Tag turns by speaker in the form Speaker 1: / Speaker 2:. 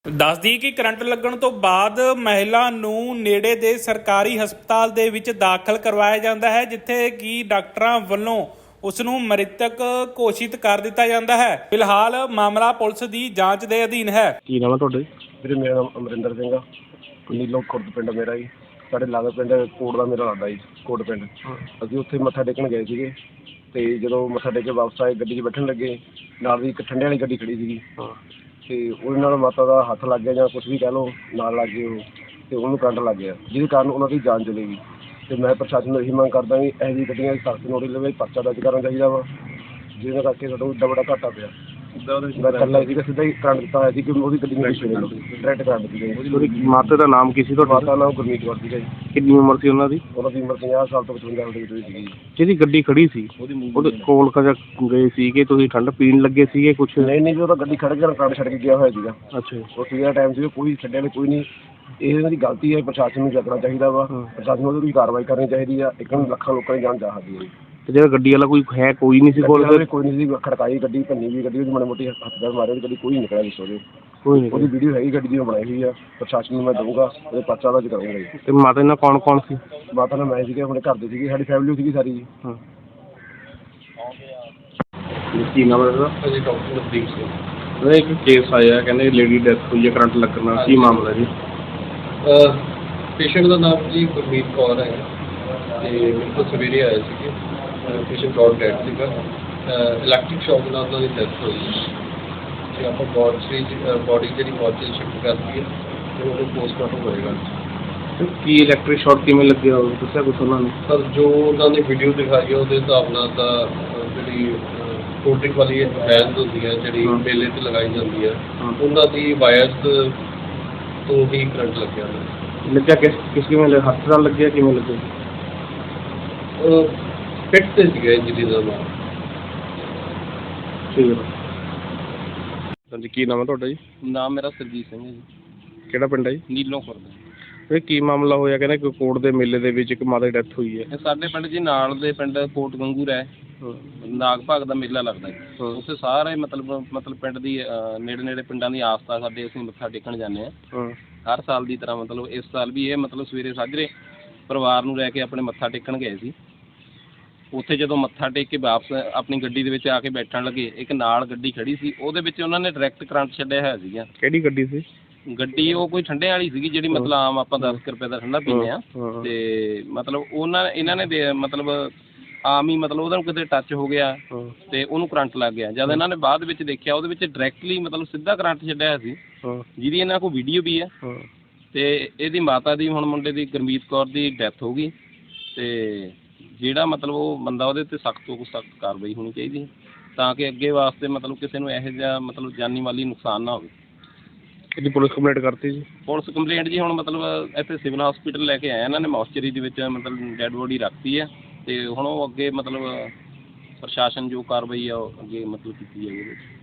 Speaker 1: ਦੱਸ ਦਈਏ ਕਿ ਕਰੰਟ ਲੱਗਣ ਤੋਂ ਬਾਅਦ ਮਹਿਲਾ ਨੂੰ ਨੇੜੇ ਦੇ ਸਰਕਾਰੀ ਹਸਪਤਾਲ ਦੇ ਵਿੱਚ ਦਾਖਲ ਕਰਵਾਇਆ ਜਾਂਦਾ ਹੈ, ਜਿੱਥੇ ਕਿ ਡਾਕਟਰਾਂ ਵੱਲੋਂ ਉਸ ਨੂੰ ਮ੍ਰਿਤਕ ਘੋਸ਼ਿਤ ਕਰ ਦਿੱਤਾ ਜਾਂਦਾ ਹੈ। ਫਿਲਹਾਲ ਮਾਮਲਾ ਪੁਲਿਸ ਦੀ ਜਾਂਚ ਦੇ ਅਧੀਨ ਹੈ।
Speaker 2: ਕੀ ਨਾਮ ਹੈ ਤੁਹਾਡੇ?
Speaker 3: ਵੀਰੇ ਮੇਰਾ ਨਾਮ ਅਮਰਿੰਦਰ ਸਿੰਘ ਆ। ਨੀਲੋਂ ਖੁਰਦ ਪਿੰਡ ਮੇਰਾ ਜੀ। ਸਾਡੇ ਲਾਗੇ ਪਿੰਡ ਕੋਟ ਦਾ ਮੇਰਾ ਲੱਗਦਾ ਜੀ, ਕੋਟ ਪਿੰਡ। ਅਸੀਂ ਉੱਥੇ ਮੱਥਾ ਟੇਕਣ ਗਏ ਸੀਗੇ ਅਤੇ ਜਦੋਂ ਮੱਥਾ ਟੇਕ ਕੇ ਵਾਪਸ ਆਏ ਗੱਡੀ 'ਚ ਬੈਠਣ ਲੱਗੇ, ਨਾਲ ਦੀ ਇੱਕ ਠੰਡੇ ਵਾਲੀ ਗੱਡੀ ਖੜ੍ਹੀ ਸੀਗੀ ਅਤੇ ਉਹਦੇ ਨਾਲ ਮਾਤਾ ਦਾ ਹੱਥ ਲੱਗ ਗਿਆ ਜਾਂ ਕੁਛ ਵੀ ਕਹਿ ਲਓ, ਨਾਲ ਲੱਗ ਗਏ ਉਹ ਅਤੇ ਉਹਨੂੰ ਕਰੰਟ ਲੱਗ ਗਿਆ, ਜਿਹਦੇ ਕਾਰਨ ਉਹਨਾਂ ਦੀ ਜਾਨ ਚਲੀ ਗਈ। ਅਤੇ ਮੈਂ ਪ੍ਰਸ਼ਾਸਨ ਨੂੰ ਇਹੀ ਮੰਗ ਕਰਦਾ ਵੀ ਇਹੋ ਜਿਹੀ ਗੱਡੀਆਂ ਦੀ ਸਖਤ ਨੋਟਿਸ ਲਵੇ, ਪਰਚਾ ਦਰਜ ਕਰਨਾ ਚਾਹੀਦਾ ਵਾ, ਜਿਹਦੇ ਕਰਕੇ ਸਾਡਾ ਇੱਡਾ ਵੱਡਾ ਘਾਟਾ ਪਿਆ। ਮੈਂ ਇਕੱਲਾ ਸੀਗਾ, ਸਿੱਧਾ ਹੀ ਕਰੰਟ ਦਿੱਤਾ ਹੋਇਆ ਸੀ ਕਿ ਉਹਦੀ ਗੱਡੀ ਨੂੰ ਡਾਇਰੈਕਟ ਕਰੰਟ ਦਿੱਤੀ ਗਈ।
Speaker 2: ਉਹਦੀ ਮਾਤਾ ਦਾ ਨਾਮ ਕੀ ਸੀ ਤੁਹਾਡਾ?
Speaker 3: ਮਾਤਾ ਨਾਮ ਗੁਰਮੀਤ ਕੌਰ ਸੀਗਾ ਜੀ।
Speaker 2: ਕਿੰਨੀ ਉਮਰ ਸੀ ਉਹਨਾਂ ਦੀ?
Speaker 3: ਉਹਨਾਂ ਦੀ ਉਮਰ 50 ਸਾਲ ਤੋਂ 55 ਸਾਲ ਦੇ ਵਿੱਚ ਸੀਗੀ ਜੀ।
Speaker 2: ਜਿਹਦੀ ਗੱਡੀ ਖੜੀ ਸੀ ਉਹਦੇ ਕੋਲ ਕਦੇ ਗਏ ਸੀ ਕਿ ਤੁਸੀਂ ਠੰਡ ਪੀਣ ਲੱਗੇ ਸੀਗੇ ਕੁਛ?
Speaker 3: ਨਹੀਂ ਜੀ, ਉਹ ਤਾਂ ਗੱਡੀ ਖੜ੍ਹ ਕੇ ਕਰੰਟ ਛੱਡ ਕੇ ਗਿਆ ਹੋਇਆ ਸੀਗਾ।
Speaker 2: ਅੱਛਾ ਜੀ।
Speaker 3: ਉਹ ਸਵੇਰ ਦਾ ਟਾਈਮ ਸੀ, ਕੋਈ ਛੱਡਿਆ ਕੋਈ ਨਹੀਂ। ਇਹ ਇਹਨਾਂ ਦੀ ਗਲਤੀ ਹੈ, ਪ੍ਰਸ਼ਾਸਨ ਨੂੰ ਜਗਣਾ ਚਾਹੀਦਾ ਵਾ। ਪ੍ਰਸ਼ਾਸਨ ਨੂੰ ਉਹਦੀ ਕਾਰਵਾਈ ਕਰਨੀ ਚਾਹੀਦੀ ਆ। ਇੱਕ ਨੂੰ ਲੱਖਾਂ ਲੋਕਾਂ ਦੀ ਜਾਨ ਜਾ ਸਕਦੀ ਹੈ।
Speaker 2: ਤੇ ਜਿਹੜਾ ਗੱਡੀ ਵਾਲਾ ਕੋਈ ਨਹੀਂ ਸੀ ਕੋਲ?
Speaker 3: ਕੋਈ ਨਹੀਂ ਸੀ, ਖੜਕਾਈ ਗੱਡੀ, ਭੰਨੀ ਵੀ ਗੱਡੀ, ਉਹਦੀ ਮਾੜੀ ਮੋਟੀ ਹੱਥ ਪੈਰ ਮਾਰੇ, ਗੱਡੀ ਕੋਈ ਨਹੀਂ ਨਿਕਲਿਆ ਦੱਸੋ ਜੀ।
Speaker 2: ਕੋਈ ਨਹੀਂ।
Speaker 3: ਉਹਦੀ ਵੀਡੀਓ ਹੈਗੀ ਗੱਡੀ ਦੀ, ਉਹ ਬਣਾਈ ਹੋਈ ਆ। ਪ੍ਰਸ਼ਾਸਨ ਨੂੰ ਮੈਂ ਦਊਂਗਾ, ਉਹਦੇ ਪਰਚਾ ਦਰਜ ਕਰਾਂਗਾ ਜੀ।
Speaker 2: ਤੇ ਮਾਤਾ ਨਾਲ ਕੌਣ ਕੌਣ ਸੀ?
Speaker 3: ਮਾਤਾ ਨਾਲ ਮੈਂ ਸੀਗੇ, ਆਪਣੇ ਘਰ ਦੇ ਸੀਗੇ, ਸਾਡੀ ਫੈਮਿਲੀ ਸੀਗੀ ਸਾਰੀ ਜੀ।
Speaker 2: ਹਾਂ। ਕੀ ਨਾਮ ਹੈ ਉਹਦਾ?
Speaker 4: ਜੀ ਡਾਕਟਰ ਨਵਦੀਪ ਸਿੰਘ।
Speaker 2: ਉਹਦਾ ਇੱਕ ਕੇਸ ਆਇਆ, ਕਹਿੰਦੇ ਲੇਡੀ ਡੈਥ ਹੋਈ ਹੈ ਕਰੰਟ ਲੱਗਣ ਨਾਲ, ਕੀ ਮਾਮਲਾ ਜੀ?
Speaker 4: ਪੇਸ਼ੈਂਟ ਦਾ ਨਾਮ ਜੀ ਗੁਰਮੀਤ ਕੌਰ ਹੈ ਅਤੇ ਮੇਰੇ ਕੋਲ ਸਵੇਰੇ ਆਏ ਸੀਗੇ। ਪੇਸ਼ੈਂਟ ਕੌਰ ਡੈਡ ਸੀਗਾ, ਇਲੈਕਟ੍ਰਿਕ ਸ਼ੌਕ ਨਾਲ ਉਹਨਾਂ ਦੀ ਡੈਥ ਹੋਈ ਅਤੇ ਆਪਾਂ ਬੋਡੀ ਜਿਹੜੀ ਮੋਰਚਰੀ ਸ਼ਿਫਟ ਕਰਤੀ ਹੈ ਅਤੇ ਉਹਨੂੰ ਪੋਸਟਮਾਰਟਮ ਹੋਏਗਾ।
Speaker 2: ਕੀ ਇਲੈਕਟ੍ਰਿਕ ਸ਼ਾਰਟ ਕਿਵੇਂ ਲੱਗਿਆ ਦੱਸਿਆ ਕੁਛ ਉਹਨਾਂ ਨੇ?
Speaker 4: ਸਰ ਜੋ ਉਹਨਾਂ ਨੇ ਵੀਡੀਓ ਦਿਖਾਈ ਹੈ ਉਹਦੇ ਹਿਸਾਬ ਨਾਲ ਤਾਂ ਜਿਹੜੀ ਕੋਲਡ ਡਰਿੰਕ ਵਾਲੀ ਵੈਨਸ ਹੁੰਦੀ ਹੈ ਜਿਹੜੀ ਮੇਲੇ 'ਤੇ ਲਗਾਈ ਜਾਂਦੀ ਹੈ, ਉਹਨਾਂ ਦੀ ਵਾਇਰਸ ਤੋਂ ਹੀ ਕਰੰਟ ਲੱਗਿਆ ਹੋਇਆ।
Speaker 2: ਲੱਗਿਆ ਕਿਸ ਕਿਵੇਂ ਹੱਥ ਨਾਲ ਲੱਗਿਆ, ਕਿਵੇਂ ਲੱਗਿਆ?
Speaker 4: ਫਿੱਟ 'ਤੇ ਸੀਗਾ ਇੰਜਰੀ ਦਾ ਨਾਮ।
Speaker 2: ਠੀਕ ਹੈ। ਹਾਂਜੀ, ਕੀ ਨਾਮ ਹੈ ਤੁਹਾਡਾ ਜੀ?
Speaker 4: ਨਾਮ ਮੇਰਾ ਸਰਜੀਤ ਸਿੰਘ ਹੈ ਜੀ।
Speaker 2: ਕਿਹੜਾ ਪਿੰਡ ਹੈ ਜੀ?
Speaker 4: ਨੀਲੋਂ ਖੁਰਦ।
Speaker 2: ਇਹ ਕੀ ਮਾਮਲਾ ਹੋਇਆ? ਕਹਿੰਦੇ ਕਿ ਕੋਟ ਦੇ ਮੇਲੇ ਦੇ ਵਿੱਚ ਇੱਕ ਮਾਤਾ ਦੀ ਡੈਥ ਹੋਈ ਹੈ।
Speaker 4: ਇਹ ਸਾਡੇ ਪਿੰਡ ਜੀ ਨਾਲ ਦੇ ਪਿੰਡ ਕੋਟ ਗੰਗੂਰ ਹੈ, ਨਾਗ ਭਾਗ ਦਾ ਮੇਲਾ ਲੱਗਦਾ ਜੀ। ਉੱਥੇ ਸਾਰੇ ਮਤਲਬ ਪਿੰਡ ਦੀ ਨੇੜੇ ਪਿੰਡਾਂ ਦੀ ਆਸਥਾ ਸਾਡੇ, ਅਸੀਂ ਮੱਥਾ ਟੇਕਣ ਜਾਂਦੇ ਹਾਂ ਹਰ ਸਾਲ ਦੀ ਤਰ੍ਹਾਂ। ਮਤਲਬ ਇਸ ਸਾਲ ਵੀ ਇਹ ਸਵੇਰੇ ਸਾਜਰੇ ਪਰਿਵਾਰ ਨੂੰ ਲੈ ਕੇ ਆਪਣੇ ਮੱਥਾ ਟੇਕਣ ਗਏ ਸੀ। ਉੱਥੇ ਜਦੋਂ ਮੱਥਾ ਟੇਕ ਕੇ ਵਾਪਸ ਆਪਣੀ ਗੱਡੀ ਦੇ ਵਿੱਚ ਆ ਕੇ ਬੈਠਣ ਲੱਗੇ, ਇੱਕ ਨਾਲ ਗੱਡੀ ਖੜੀ ਸੀ, ਉਹਦੇ ਵਿੱਚ ਉਹਨਾਂ ਨੇ ਡਾਇਰੈਕਟ ਕਰੰਟ ਛੱਡਿਆ ਹੋਇਆ ਸੀਗਾ।
Speaker 2: ਕਿਹੜੀ ਗੱਡੀ ਸੀ?
Speaker 4: ਗੱਡੀ ਉਹ ਕੋਈ ਠੰਡੇ ਵਾਲੀ ਸੀਗੀ, ਜਿਹੜੀ ਮਤਲਬ ਆਮ ਆਪਾਂ 10 ਰੁਪਏ ਦਾ ਠੰਡਾ ਪੀਂਦੇ ਹਾਂ। ਅਤੇ ਮਤਲਬ ਇਹਨਾਂ ਨੇ ਆਮ ਹੀ ਉਹਦਾ ਨੂੰ ਕਿਤੇ ਟੱਚ ਹੋ ਗਿਆ ਅਤੇ ਉਹਨੂੰ ਕਰੰਟ ਲੱਗ ਗਿਆ। ਜਦ ਇਹਨਾਂ ਨੇ ਬਾਅਦ ਵਿੱਚ ਦੇਖਿਆ, ਉਹਦੇ ਵਿੱਚ ਡਾਇਰੈਕਟਲੀ ਸਿੱਧਾ ਕਰੰਟ ਛੱਡਿਆ ਹੋਇਆ ਸੀ, ਜਿਹਦੀ ਇਹਨਾਂ ਕੋਲ ਵੀਡੀਓ ਵੀ ਹੈ। ਅਤੇ ਇਹਦੀ ਮਾਤਾ ਦੀ, ਹੁਣ ਮੁੰਡੇ ਦੀ ਗੁਰਮੀਤ ਕੌਰ ਦੀ ਡੈਥ ਹੋ ਗਈ। ਅਤੇ ਜਿਹੜਾ ਉਹ ਬੰਦਾ, ਉਹਦੇ 'ਤੇ ਸਖਤ ਤੋਂ ਸਖਤ ਕਾਰਵਾਈ ਹੋਣੀ ਚਾਹੀਦੀ, ਤਾਂ ਕਿ ਅੱਗੇ ਵਾਸਤੇ ਕਿਸੇ ਨੂੰ ਇਹੋ ਜਿਹਾ ਜਾਨੀ ਮਾਲੀ ਨੁਕਸਾਨ ਨਾ ਹੋਵੇ।
Speaker 2: ਇਹਦੀ ਪੁਲਿਸ ਕੰਪਲੇਂਟ ਕਰਤੀ ਜੀ? ਪੁਲਿਸ
Speaker 4: ਕੰਪਲੇਂਟ ਜੀ ਹੁਣ ਇੱਥੇ ਸਿਵਲ ਹਸਪੀਟਲ ਲੈ ਕੇ ਆਏ ਇਹਨਾਂ ਨੇ, ਮੋਰਚਰੀ ਦੇ ਵਿੱਚ ਡੈਡ ਬੋਡੀ ਰੱਖਤੀ ਹੈ। ਅਤੇ ਹੁਣ ਉਹ ਅੱਗੇ ਪ੍ਰਸ਼ਾਸਨ ਜੋ ਕਾਰਵਾਈ ਆ ਉਹ ਅੱਗੇ ਕੀਤੀ ਜਾਏਗੀ ਉਹਦੇ ਵਿੱਚ।